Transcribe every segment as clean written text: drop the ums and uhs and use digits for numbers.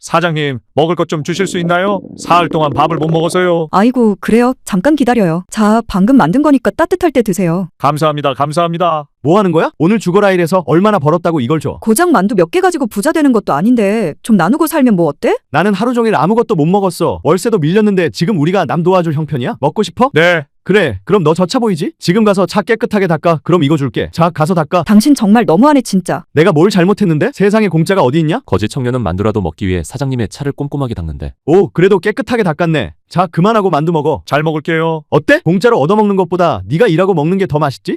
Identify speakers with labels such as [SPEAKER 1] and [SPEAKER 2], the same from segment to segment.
[SPEAKER 1] 사장님, 먹을 것 좀 주실 수 있나요? 사흘 동안 밥을 못 먹어서요.
[SPEAKER 2] 아이고, 그래요? 잠깐 기다려요. 자, 방금 만든 거니까 따뜻할 때 드세요.
[SPEAKER 1] 감사합니다, 감사합니다.
[SPEAKER 3] 뭐 하는 거야? 오늘 죽어라 일해서 얼마나 벌었다고 이걸 줘.
[SPEAKER 2] 고작 만두 몇 개 가지고 부자 되는 것도 아닌데 좀 나누고 살면 뭐 어때?
[SPEAKER 3] 나는 하루 종일 아무것도 못 먹었어. 월세도 밀렸는데 지금 우리가 남 도와줄 형편이야? 먹고 싶어?
[SPEAKER 1] 네,
[SPEAKER 3] 그래, 그럼 너 저 차 보이지? 지금 가서 차 깨끗하게 닦아. 그럼 이거 줄게. 자, 가서 닦아.
[SPEAKER 2] 당신 정말 너무하네 진짜.
[SPEAKER 3] 내가 뭘 잘못했는데? 세상에 공짜가 어디 있냐?
[SPEAKER 4] 거지 청년은 만두라도 먹기 위해 사장님의 차를 꼼꼼하게 닦는데
[SPEAKER 3] 오, 그래도 깨끗하게 닦았네. 자, 그만하고 만두 먹어.
[SPEAKER 1] 잘 먹을게요.
[SPEAKER 3] 어때? 공짜로 얻어먹는 것보다 네가 일하고 먹는 게 더 맛있지?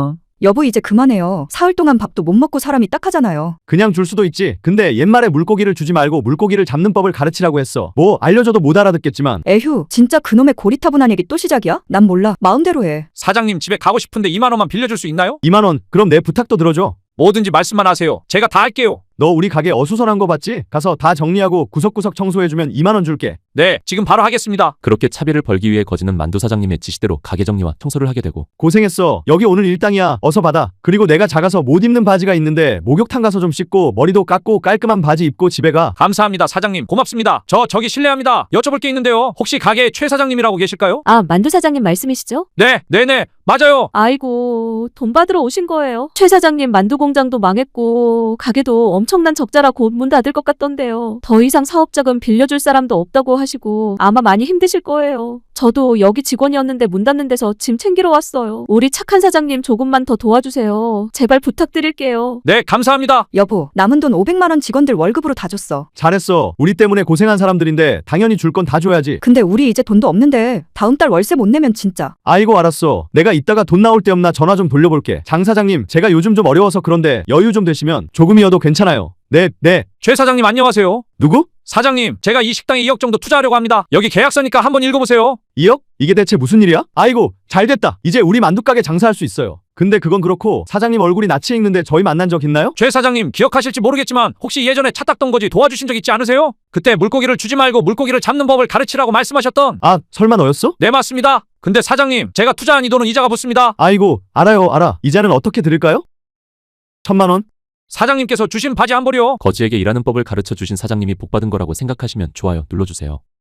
[SPEAKER 2] 여보 이제 그만해요. 사흘 동안 밥도 못 먹고 사람이 딱하잖아요.
[SPEAKER 3] 그냥 줄 수도 있지. 근데 옛말에 물고기를 주지 말고 물고기를 잡는 법을 가르치라고 했어. 뭐 알려줘도 못 알아듣겠지만.
[SPEAKER 2] 에휴, 진짜 그놈의 고리타분한 얘기 또 시작이야? 난 몰라. 마음대로 해.
[SPEAKER 1] 사장님 집에 가고 싶은데 2만 원만 빌려줄 수 있나요?
[SPEAKER 3] 2만 원. 그럼 내 부탁도 들어줘.
[SPEAKER 1] 뭐든지 말씀만 하세요. 제가 다 할게요.
[SPEAKER 3] 너 우리 가게 어수선한 거 봤지? 가서 다 정리하고 구석구석 청소해주면 2만 원 줄게.
[SPEAKER 1] 네, 지금 바로 하겠습니다.
[SPEAKER 4] 그렇게 차비를 벌기 위해 거지는 만두 사장님의 지시대로 가게 정리와 청소를 하게 되고
[SPEAKER 3] 고생했어. 여기 오늘 일당이야. 어서 받아. 그리고 내가 작아서 못 입는 바지가 있는데 목욕탕 가서 좀 씻고 머리도 깎고 깔끔한 바지 입고 집에 가.
[SPEAKER 1] 감사합니다, 사장님. 고맙습니다. 저기 실례합니다. 여쭤볼 게 있는데요. 혹시 가게 최 사장님이라고 계실까요?
[SPEAKER 5] 아, 만두 사장님 말씀이시죠?
[SPEAKER 1] 네, 네네, 맞아요.
[SPEAKER 5] 아이고, 돈 받으러 오신 거예요. 최 사장님 만두 공장도 망했고 가게도 엄청난 적자라 곧 문 닫을 것 같던데요. 더 이상 사업자금 빌려줄 사람도 없다고 하시고 아마 많이 힘드실 거예요. 저도 여기 직원이었는데 문 닫는 데서 짐 챙기러 왔어요. 우리 착한 사장님 조금만 더 도와주세요. 제발 부탁드릴게요.
[SPEAKER 1] 네, 감사합니다.
[SPEAKER 2] 여보, 남은 돈 500만 원 직원들 월급으로 다 줬어.
[SPEAKER 3] 잘했어. 우리 때문에 고생한 사람들인데 당연히 줄 건 다 줘야지.
[SPEAKER 2] 근데 우리 이제 돈도 없는데 다음 달 월세 못 내면 진짜.
[SPEAKER 3] 아이고 알았어. 내가 이따가 돈 나올 때 없나 전화 좀 돌려볼게. 장 사장님, 제가 요즘 좀 어려워서 그런데 여유 좀 되시면 조금이어도 괜찮아요. 네.
[SPEAKER 1] 최 사장님 안녕하세요.
[SPEAKER 3] 누구?
[SPEAKER 1] 사장님, 제가 이 식당에 2억 정도 투자하려고 합니다. 여기 계약서니까 한번 읽어보세요.
[SPEAKER 3] 2억? 이게 대체 무슨 일이야? 아이고, 잘 됐다. 이제 우리 만두가게 장사할 수 있어요. 근데 그건 그렇고 사장님 얼굴이 낯이 익는데 저희 만난 적 있나요?
[SPEAKER 1] 최 사장님 기억하실지 모르겠지만 혹시 예전에 차 닦던 거지 도와주신 적 있지 않으세요? 그때 물고기를 주지 말고 물고기를 잡는 법을 가르치라고 말씀하셨던.
[SPEAKER 3] 아, 설마 너였어?
[SPEAKER 1] 네, 맞습니다. 근데 사장님, 제가 투자한 이 돈은 이자가 붙습니다.
[SPEAKER 3] 아이고, 알아. 이자는 어떻게 드릴까요? 1,000만 원?
[SPEAKER 1] 사장님께서 주신 바지 한 벌이요.
[SPEAKER 4] 거지에게 일하는 법을 가르쳐 주신 사장님이 복받은 거라고 생각하시면 좋아요 눌러주세요.